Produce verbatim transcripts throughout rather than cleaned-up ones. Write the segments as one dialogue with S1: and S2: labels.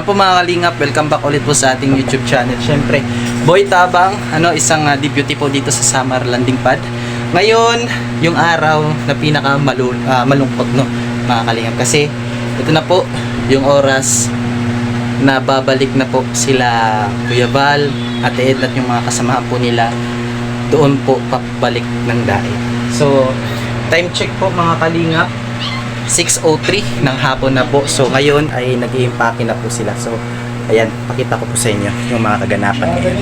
S1: Ayan po mga kalingap, welcome back ulit po sa ating YouTube channel. Siyempre, Boy Tabang, ano, isang uh, deputy po dito sa Summer Landing Pad. Ngayon, yung araw na pinaka malu uh, malungkot, no, mga kalingap. Kasi, ito na po, yung oras na babalik na po sila Kuya Val, Ate Edna at yung mga kasamahan po nila doon po papalik ng daig. So, time check po mga kalingap, six oh three ng hapon na po. So ngayon ay nag-i-impake na po sila. So ayan, pakita ko po sa inyo yung mga kaganapan ngayon.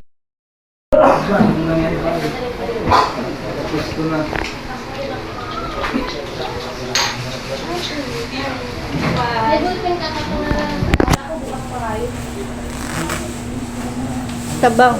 S2: Sabaw.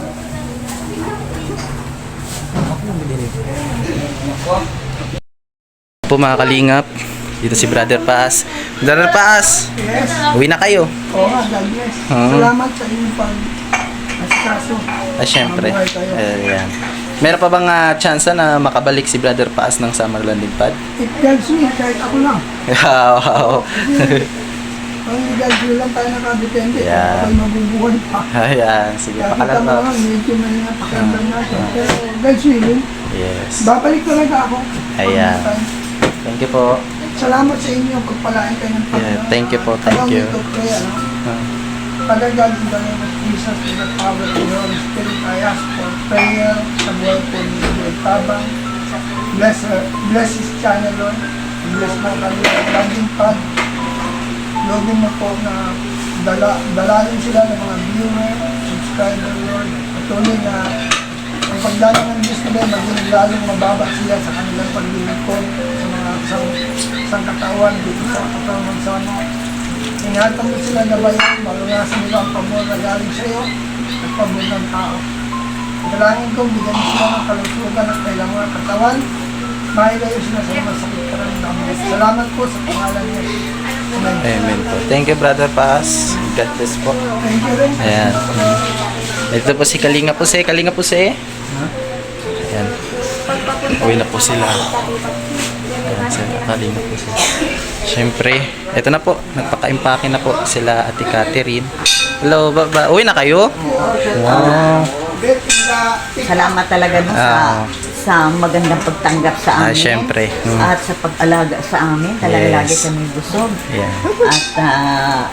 S1: Po mga kalingap, dito si Brother Paas. Brother Paas,
S3: Yes.
S1: uwi na kayo.
S3: Oo nga, God bless.
S1: Hmm.
S3: Salamat sa inyong pag-asikaso.
S1: Ah, syempre.
S3: Mabuhay kayo.
S1: Ayan. Meron pa bang uh, chance na makabalik si Brother Paas ng Summer Landing Pad?
S3: If God's will, kahit ako lang.
S1: Wow.
S3: Kung hindi God's will lang tayo nakadepende,
S1: Yeah.
S3: ako'y mabubuhay pa.
S1: Ayan, sige,
S3: Kaya kita
S1: pakalat
S3: mo
S1: na.
S3: lang, medyo may napakiramdam natin. Pero God's will,
S1: Yes.
S3: babalik talaga ako.
S1: Ayan.
S3: Pag may time.
S1: Thank you po.
S3: Salamat sa inyo, pagpalain kayo ng Panginoon.
S1: Yeah, thank you po, thank
S3: Habang
S1: you.
S3: ito, kaya, ano,
S1: Uh,
S3: Father God, in the name of Jesus, in the power of your Spirit, I ask for prayer sa buhay po ni Boy Tabang. Bless her, bless his channel, Lord. Bless na kami ang landing pad. Login mo po na dala, dalalin sila ng mga viewer, subscriber, Lord. Patuloy na ang pagdalang ng Diyos nila, maging lalong mababa sila sa kanilang paglilingkod sa mga sang, sangkatawan dito sa katawan ng sana. Ingatan mo sila na bayan, malunasan nila ang pabor na galing sa iyo at pabor ng tao. Dalangin ko, bigyan mo sila ng kalusugan at kailangan ng katawan. Mailayo sila sa mga sakit karamdaman. Salamat po sa pangalan niya. Amen.
S1: Amen po. Thank you, Brother Paas. God bless po.
S3: Thank you rin.
S1: Ayan. Ito po si Kalinga po si Kalinga po si Ayan. Uwi na po sila. Ayan, sila Kalinga po sila. Siyempre, ito na po. Nagpaka-impake na po sila Ate Catherine. Hello, ba, ba uwi na kayo? Wow.
S2: Salamat talaga no, sa
S1: Ah.
S2: sa magandang pagtanggap sa
S1: Ah,
S2: amin.
S1: syempre. Mm.
S2: At sa pag-alaga sa amin. Talaga
S1: Yes.
S2: lagi kami busog.
S1: Ayan.
S2: At ah,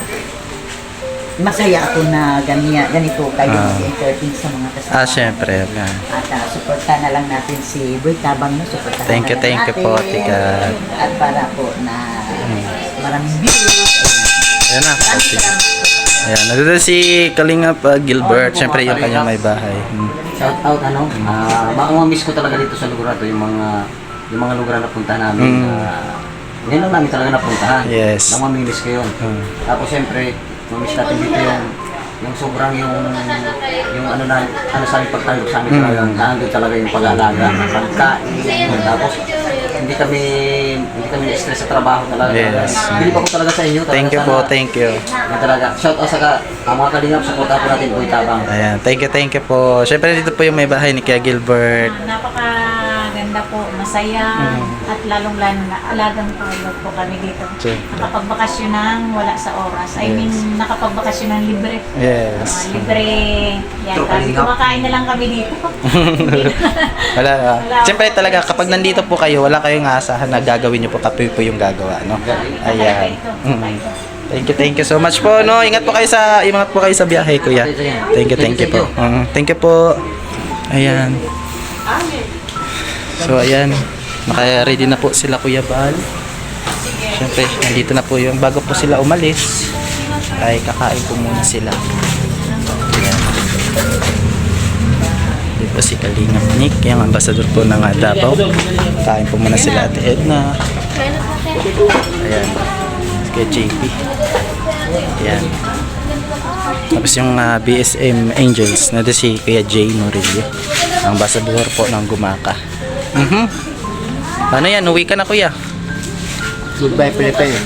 S2: masaya ako na ganyan, ganito kayo
S1: Ah.
S2: mag-entertain sa mga kasama.
S1: Ah, syempre. Ayan.
S2: At uh, supportan na lang natin si Boy Tabang, no? Supportan
S1: Thank you,
S2: na lang
S1: thank you
S2: natin.
S1: po, Ate Kat.
S2: At para po na maraming views.
S1: Ayan na.
S2: Ayan.
S1: Okay. Ayan. Nandito si Kalinga pa Gilbert. Siyempre, yung kanyang may bahay. Hmm.
S4: Shout out ano, ah uh, miss ko talaga dito sa lugar na to, yung mga yung mga lugar na puntahan namin.
S1: Mm.
S4: Uh, hindi lang namin talaga napuntahan.
S1: Yes.
S4: Nang mamimiss ko yun.
S1: Mm.
S4: Tapos siyempre, mamiss natin dito yung yung sobrang yung yung ano na ano sa amin pagtanggap sa amin
S1: Mm.
S4: talagang naandun talaga yung pag-aalaga, pagkain. Tapos hindi kami hindi kami na-stress sa trabaho talaga.
S1: Yes.
S4: Bilib ako talaga sa inyo. Talaga
S1: Thank you
S4: sana-
S1: po, thank you.
S4: Yan talaga. Shout out sa ka, ang mga kalingap, supportahan po natin Boy Tabang.
S1: Ayan, thank you, thank you po. Siyempre, dito po yung may bahay ni Kuya Gilbert.
S5: Napakaganda po, masaya,
S1: Mm.
S5: at lalong-lalo na alagang tulog po kami dito.
S1: Sure.
S5: Nakapagbakasyon ng wala sa oras. I mean, nakapagbakasyon ng libre.
S1: Yes.
S5: Ah, libre. Yan,
S4: True,
S5: kami,
S4: kalingap.
S5: kumakain na lang kami dito. Hindi na.
S1: Wala. ah.
S5: Wala.
S1: Siyempre talaga, kapag nandito po kayo, wala kayong aasahan na gagawin nyo po, kape po yung gagawa, no? Ayan.
S5: Ito,
S1: Mm.
S5: ito.
S1: Thank you, thank you so much po, no? Ingat po kayo sa, ingat po kayo sa biyahe, kuya. Thank you, thank you po. Mm, thank you po. Ayan. So, ayan. Naka-ready na po sila, Kuya Bal. Siyempre, nandito na po yung, bago po sila umalis, ay kakain po muna sila. Ayan. Dito po si Kalingap Nick, yung ambassador po ng uh, Davao. Kain po muna sila Ate Edna. Ayan. Kay J P. Ayan. Tapos yung uh, B S M Angels, nandito si Kuya Jay Norillo, ang ambassador po ng Gumaka. Mhm. Paano yan? Uwi ka na, Kuya.
S4: Goodbye, Philippines.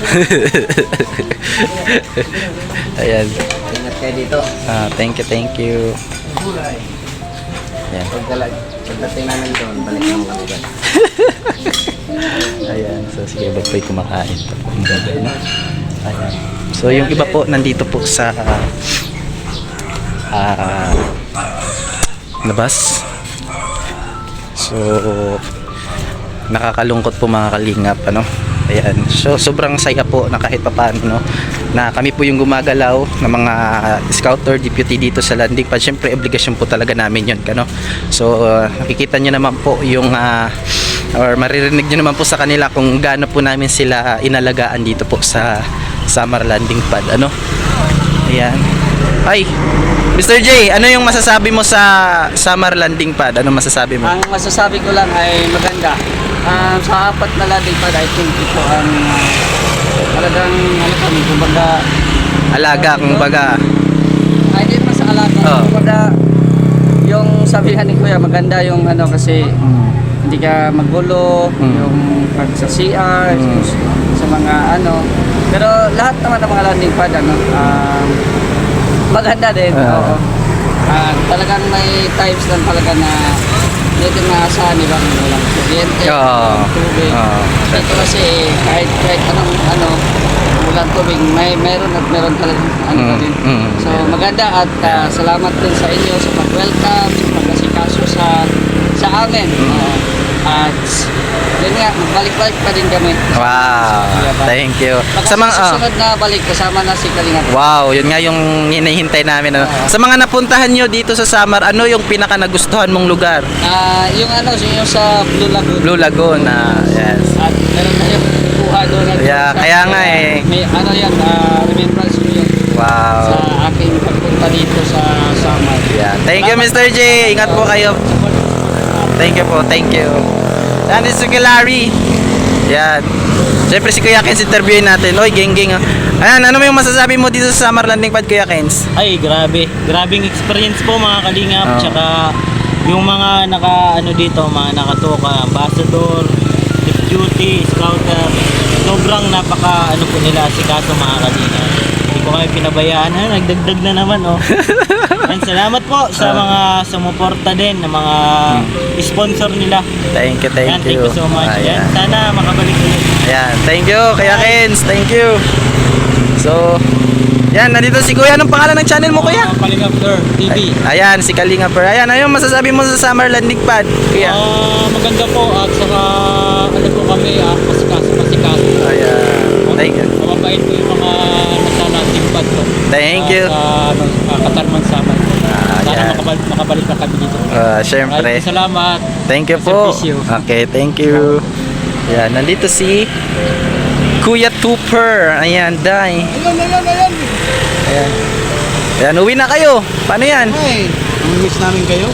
S1: Ayan.
S4: Ingat kayo dito.
S1: Ah, thank you, thank you. Ayan.
S4: Pagdating namin doon, balik naman kami doon.
S1: Ayan. So, sige, ba't po'y kumakain? Ang ganda, no? Ayan. So yung iba po nandito po sa ah labas. So nakakalungkot po mga kalingap, ano. Ayan. So sobrang saya po na kahit papaano, no, na kami po yung gumagalaw ng mga scouter deputy dito sa landing pad. Syempre obligasyon po talaga namin yun, ano. So uh, nakikita nyo naman po yung uh, or maririnig nyo naman po sa kanila kung gaano po namin sila inalagaan dito po sa summer landing pad, ano. Ayan. Ay, Mister J, ano yung masasabi mo sa summer landing pad? Ano masasabi mo?
S4: Ang masasabi ko lang ay maganda. Ah, sa apat na landing pad, I think ito ang ah, talagang ano kami, kumbaga
S1: Alaga, kung baga.
S4: ay di man sa alaga,
S1: Oh.
S4: kumbaga yung sabihan ni Kuya maganda yung ano kasi hindi ka magulo,
S1: Mm.
S4: yung pag sa C R,
S1: Mm.
S4: sa mga ano. Pero lahat naman ng mga landing pad ano, um, maganda din.
S1: Ah.
S4: Oo. Ah, talagang may times lang talaga na dito maasahan nila kung walang kuryente,
S1: Oo.
S4: walang tubig.
S1: Oo.
S4: Dito kasi kahit kahit anong ano, walang tubig, may meron at meron talagang ano
S1: Mm,
S4: pa din.
S1: mm.
S4: So maganda at ah, salamat din sa inyo sa pag-welcome, sa pag-asikaso sa sa amin. Oo. At yun nga, magbalik-balik pa din kami.
S1: Wow, thank you.
S4: Baka
S1: Sa mga,
S4: sa
S1: ah,
S4: susunod na balik, kasama na si Kalinga.
S1: wow, yun nga yung hinihintay namin. Ano. Sa mga napuntahan nyo dito sa summer, ano yung pinaka nagustuhan mong lugar?
S4: Ah, yung ano, yung sa Blue Lagoon.
S1: Blue Lagoon, ah, yes.
S4: At meron tayong kuha doon. at
S1: Yeah,
S4: sa-
S1: kaya nga eh.
S4: May ano yan, ah, remembrance mo yun
S1: Wow.
S4: sa aking pagpunta dito sa summer.
S1: Yeah. Thank you, Mister J. Ingat po kayo. Thank you po, thank you. Yan is si Kuya Larry. Yan. Siyempre si Kuya Kens interviewin natin. Oy, geng-geng. ah. Ayan, ano mo yung masasabi mo dito sa summer landing pad, Kuya Kens?
S6: Ay, grabe. Grabing experience po mga kalingap.
S1: Oo.
S6: Tsaka yung mga naka ano dito, mga nakatoka, ambassador, chief duty, scouter. Sobrang napaka ano po nila asikaso mga kalingap. Hindi ko kami pinabayaan. Ha, nagdagdag na naman oh. And salamat po sa mga sumuporta din ng mga sponsor nila.
S1: Thank you, thank
S6: Yan,
S1: you.
S6: thank you so much.
S1: Ayan.
S6: Yan, sana makabalik ulit.
S1: Ayan, thank you, Kuya Kens. Thank you. So, yan, nandito si Kuya. Anong pangalan ng channel mo, Kuya?
S6: Kalingap Sir, T V.
S1: Ay, ayan, si Kalinga Per. Ayan, ano yung masasabi mo sa summer landing pad, Kuya?
S6: Ah, maganda po at saka ano po kami, ah, pasikaso, pasikaso.
S1: Ayan. Thank you.
S6: Mababait po yung mga nasa landing pad po.
S1: Thank you.
S6: Sa ano, uh, Katarman Saman.
S1: Ah,
S6: Sana
S1: yan.
S6: makabalik, makabalik na kami dito.
S1: Uh, Siyempre.
S6: Maraming salamat.
S1: Thank you po.
S6: Servisyo.
S1: Okay, thank you. Yan, nandito si Kuya Tupper. Ayan, Day.
S3: Ayun, ayun, ayun.
S1: Ayan. Ayan, uwi na kayo. Paano yan?
S3: Ay, miss namin kayo.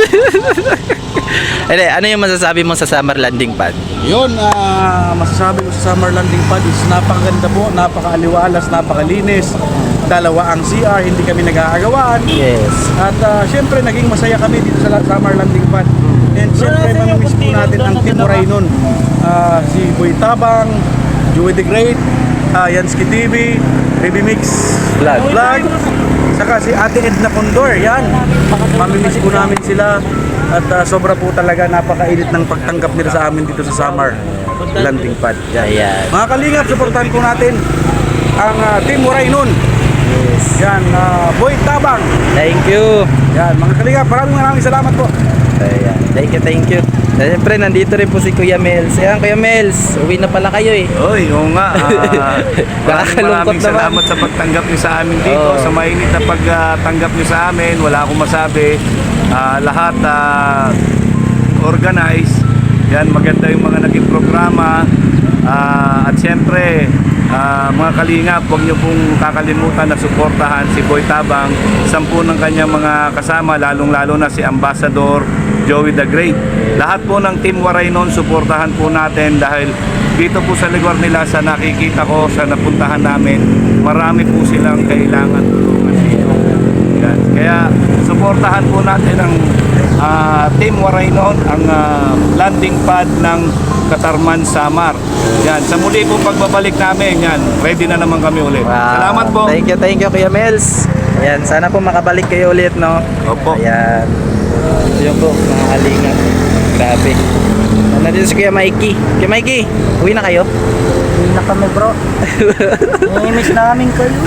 S1: Ede, ano yung masasabi mo sa summer landing pad?
S7: Yun, ah, masasabi ko sa summer landing pad is napakaganda po, napakaaliwalas, napakalinis. Dalawa ang C R, hindi kami nag-aagawaan.
S1: Yes.
S7: At ah, syempre, naging masaya kami dito sa la- summer landing pad. And syempre, mamimiss po natin ang Team Raynon. Ah, si Boy Tabang, Joey the Great, uh, Yansky T V, Baby Mix
S1: Vlog.
S7: Vlog, saka si Ate Edna Condor, yan. Mamimiss po namin sila. At ah, sobra po talaga napakainit ng pagtanggap nila sa amin dito sa summer landing pad. Yan.
S1: Ayan.
S7: Mga kalingap, supportahan po natin ang ah, Team Raynon.
S1: Yes.
S7: Yan, ah, Boy Tabang.
S1: Thank you.
S7: Yan, mga kalingap, maraming maraming salamat po.
S1: Ayan. Thank you, thank you. Siyempre, nandito rin po si Kuya Mels. Ayan, Kuya Mels. Uwi na pala kayo eh.
S8: Oy, oo nga. ah, maraming
S1: Nakakalungkot
S8: maraming
S1: naman.
S8: salamat sa pagtanggap niyo sa amin dito.
S1: Oo.
S8: Sa mainit na pagtanggap niyo sa amin, wala akong masabi. Ah, lahat ah, organized. Yan, maganda yung mga naging programa. Ah, at siyempre, ah, mga kalingap, huwag niyo pong kakalimutan na suportahan si Boy Tabang, sampu ng kanyang mga kasama, lalong-lalo na si Ambassador Joey the Great. Lahat po ng Team Raynon, suportahan po natin dahil dito po sa lugar nila, sa nakikita ko, sa napuntahan namin, marami po silang kailangan tulungan dito. Yan. Kaya suportahan po natin ang ah, Team Raynon, ang ah, landing pad ng Katarman Samar. Yan, sa muli po pagbabalik namin, yan, ready na naman kami ulit.
S1: Wow.
S8: Salamat po.
S1: Thank you, thank you, Kuya Mels. Ayan, sana po makabalik kayo ulit, no?
S8: Opo.
S1: Ayan. Yun po, mga kalingat. Grabe. Nandito si Kuya Mikey. Kuya Mikey, uwi na kayo?
S2: Uwi na
S4: kami bro. Nami-miss namin kayo.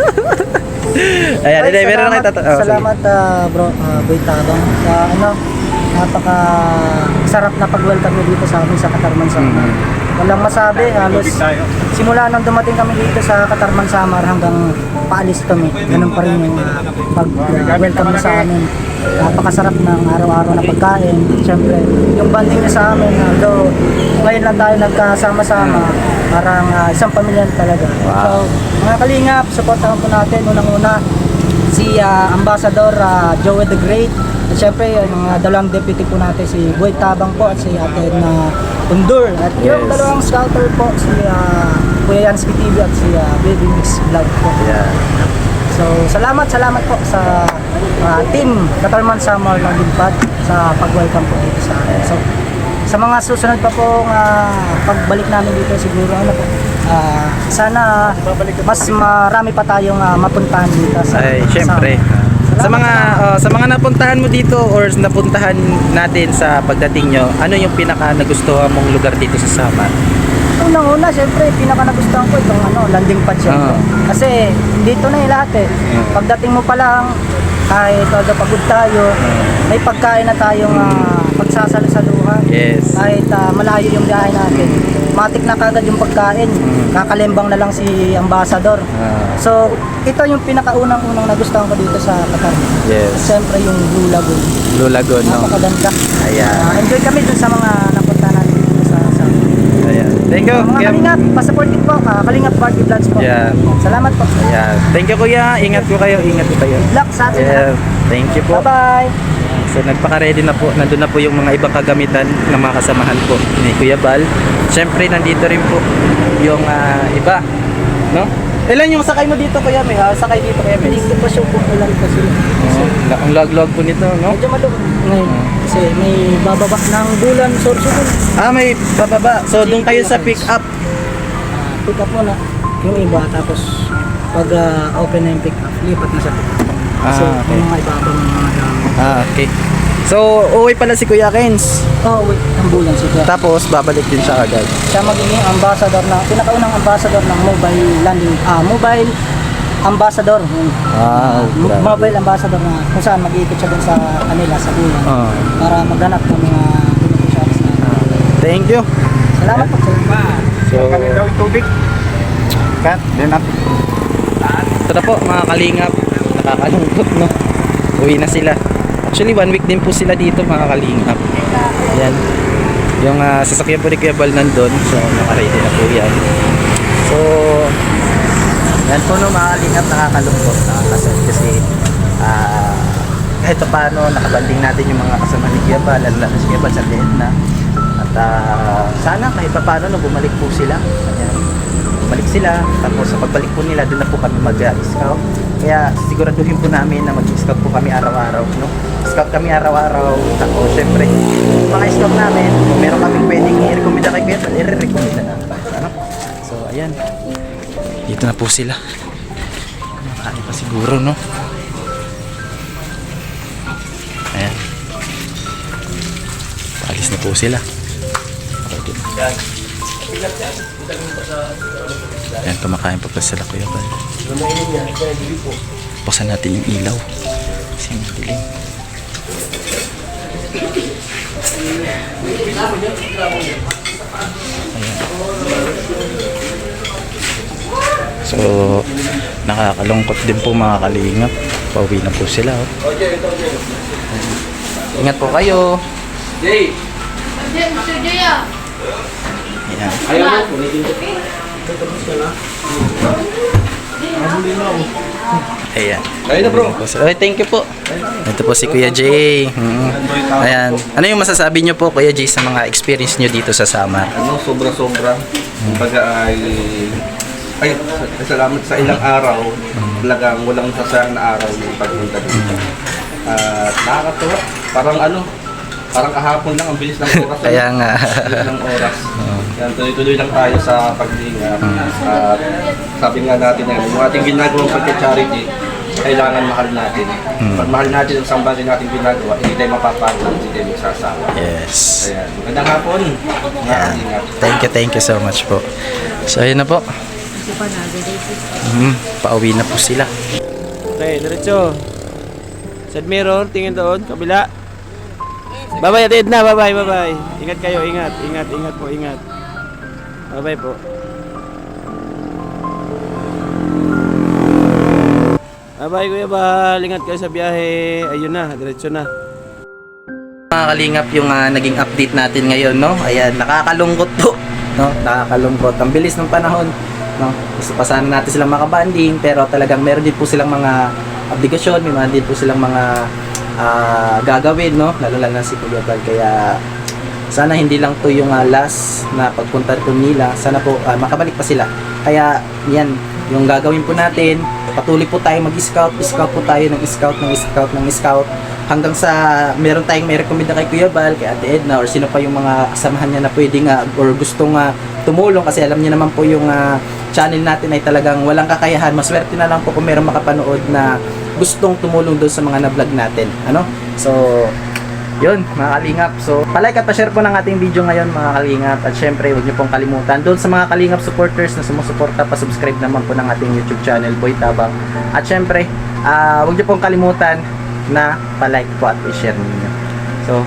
S1: Ayan,
S4: Ay,
S1: hindi, meron na
S4: salamat,
S1: kayo. Oh,
S4: salamat ah, bro, uh, Boy Tabang. Sa ano, napaka sarap na pag-welcome niyo dito sa amin sa Katarman Samar. Walang masabi, halos simula nang dumating kami dito sa Katarman Samar hanggang paalis kami. Ganun pa rin yung uh, pag-welcome niyo sa amin. Napakasarap ng araw-araw na pagkain. Siyempre, yung banding niya sa amin, although ngayon lang tayo nagkasama-sama, parang uh, isang pamilya talaga. So, mga kalingap, supportahan po natin unang-una si uh, Ambassador uh, Joey the Great. At syempre, yung uh, dalawang deputy po natin, si Boy Tabang po at si Ate na Undur. At yung
S1: Yes.
S4: dalawang scouter po, si uh, Kuya Yansky T V at si uh, Baby Mix Vlog po.
S1: Yeah.
S4: So, salamat, salamat po sa uh, team Katarman Samar ng Limpad sa pag-welcome po dito sa akin. So, sa mga susunod pa po uh, pagbalik namin dito siguro ano po, uh, sana mas marami pa tayong uh, mapuntahan dito sa
S1: Ay, syempre.
S4: Sa,
S1: Sa mga oh, sa mga napuntahan mo dito or napuntahan natin sa pagdating nyo, ano yung pinaka nagustuhan mong lugar dito sa Samar?
S4: unang-una, syempre, pinaka nagustuhan ko itong ano, landing pad syempre.
S1: Ah.
S4: Kasi dito na yung lahat eh. Pagdating mo pa lang, kahit todo pagod tayo, may pagkain na tayong uh, pagsasalusaluhan.
S1: Yes.
S4: Kahit uh, malayo yung biyahe natin. Matik na kagad yung pagkain. Kakalembang na lang si Ambassador.
S1: Ah.
S4: So, ito yung pinakaunang-unang nagustuhan ko dito sa Qatar.
S1: Yes.
S4: Siyempre yung Blue Lagoon.
S1: Blue Lagoon, no?
S4: Napakaganda.
S1: Ayan.
S4: Uh, enjoy kami dun sa mga napunta natin dito sa sa
S1: Ayan. Thank you.
S4: mga
S1: Kuya.
S4: Kalingap, pa-supportive po, uh, Kalingap Party Vlogs po.
S1: Yeah.
S4: Salamat po.
S1: Ayan. Thank you, Kuya. Ingat po kayo. Ingat po kayo.
S4: Good luck sa atin.
S1: Yeah. Thank you po.
S4: Bye-bye.
S1: So nagpaka-ready na po. Nandun na po yung mga ibang kagamitan ng mga kasamahan po ni Kuya Bal. Siyempre nandito rin po yung ah, iba, no? Ilan yung sakay mo dito, Kuya? May ah, sakay dito, Kuya? May.
S4: Hindi pa siya popular kasi.
S1: Oh, ang lag-lag po nito, no?
S4: Medyo malung ngayon. Kasi may bababa ng bulan, sorsugon.
S1: Ah, may bababa. So doon kayo sa pick up.
S4: Pick up mo na yung iba, tapos pag ah, open na yung pick up, lipat na sa pick up. Kasi
S1: Ah, okay.
S4: yung mga ibaba ng mga dami.
S1: Ah, okay. So uwi pala si Kuya Kens.
S4: Oh, wait, ang bulan siya.
S1: Tapos babalik din siya agad.
S4: Siya magiging ambassador na, pinakaunang ambassador ng mobile landing, ah, mobile ambassador. Yun.
S1: Wow,
S4: Mo-
S1: grabe.
S4: mobile ambassador na kung saan mag-iikot siya dun sa kanila sa bulan
S1: Ah.
S4: para maghanap ng mga beneficiaries na.
S1: Thank you.
S4: Salamat po sir.
S1: So, cut. Then up. Ito na po mga kalingap. Nakakalungkot, no? Uwi na sila. Actually, one week din po sila dito mga kalingap. Yan. Yung ah, sasakyan po ni Kuya Bal nandun. So, nakaready na po yan. So, yan po no mga kalingap, nakakalungkot. Nakakasal kasi ah, kahit pa paano, nakabanding natin yung mga kasama ni Kuya Bal. Lalo na si Kuya Bal sa liit na. At ah, sana kahit pa paano, no, bumalik po sila. Ayan. Bumalik sila, tapos sa pagbalik po nila, doon na po kami mag-scout. Kaya siguraduhin po namin na mag-scout po kami araw-araw, no? Scout kami araw-araw, tapos syempre, yung mga scout namin, kung meron kaming pwedeng i-recommenda kay Kuya, i-recommenda namin. Ano? So, ayan. Dito na po sila. Makakain pa siguro, no? Ayan. Alis na po sila. Ayan. Ayan, kumakain pa pa sila Kuya Bal. Buksan natin yung ilaw. Kasi madilim. Ayan. So, nakakalungkot din po mga kalingap. Pauwi na po sila. Oh. Ingat po kayo. Jay! Ayan. Ayan. Ayun na bro. Okay, thank you po. Ito po si Kuya Jay. Mm. Ayan. Ano yung masasabi nyo po Kuya Jay sa mga experience nyo dito sa Samar?
S9: Ano, sobra-sobra. Kumbaga ay ay salamat sa ilang araw. Talagang walang sasayang na araw yung pagpunta dito. At nakakatuwa. Parang ano, parang kahapon lang ang bilis ng oras.
S1: Kaya nga.
S9: Bilis ng oras. Yan, tuloy-tuloy lang tayo sa paglinga. At sabi nga natin yan, yung ating ginagawang pagka-charity, kailangan mahal natin. Pag mahal natin ang isang bagay natin ginagawa, hindi tayo mapapagod, hindi tayo magsasawa.
S1: Yes.
S9: Ayan, magandang hapon. Mga
S1: Yan.
S9: kalingap.
S1: Thank you, thank you so much po. So, ayun na po. Mm, pauwi na po sila.
S6: Okay, diretso. Side mirror, tingin doon, kabila. Bye-bye, atid na, bye-bye, bye-bye. Ingat kayo, ingat, ingat, ingat po, ingat. Bye-bye po. Bye-bye, Kuya Bal. Ingat kayo sa biyahe. Ayun na, diretso na.
S1: Mga kalingap yung ah, naging update natin ngayon, no? Ayan, nakakalungkot po, no? Nakakalungkot. Ang bilis ng panahon, no? Gusto pa sana natin silang makabanding, pero talagang meron din po silang mga obligasyon, may mga din po silang mga ah, gagawin, no? Lalo lang na si Kuya Bal. Kaya sana hindi lang to yung ah, last na pagpunta po nila. Sana po ah, makabalik pa sila. Kaya yan, yung gagawin po natin, patuloy po tayo mag-scout, scout po tayo ng scout, ng scout, ng scout, hanggang sa meron tayong may recommend na kay Kuya Bal, kay Ate Edna, or sino pa yung mga kasamahan niya na pwede nga, or gustong uh, tumulong, kasi alam niyo naman po yung uh, channel natin ay talagang walang kakayahan. Maswerte na lang po kung meron makapanood na gustong tumulong doon sa mga na-vlog natin. Ano? So, yun, mga kalingap. So, palike at pa-share po ng ating video ngayon, mga kalingap. At syempre, huwag niyo pong kalimutan doon sa mga kalingap supporters na sumusuporta, pa-subscribe naman po ng ating YouTube channel, Boy Tabang. At syempre, uh, huwag niyo pong kalimutan na palike po at i-share ninyo. So,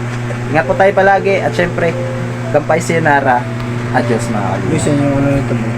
S1: ingat po tayo palagi. At syempre, gampay sayonara. Adios, mga kalingap.
S3: Gusto niyo ano nito mo?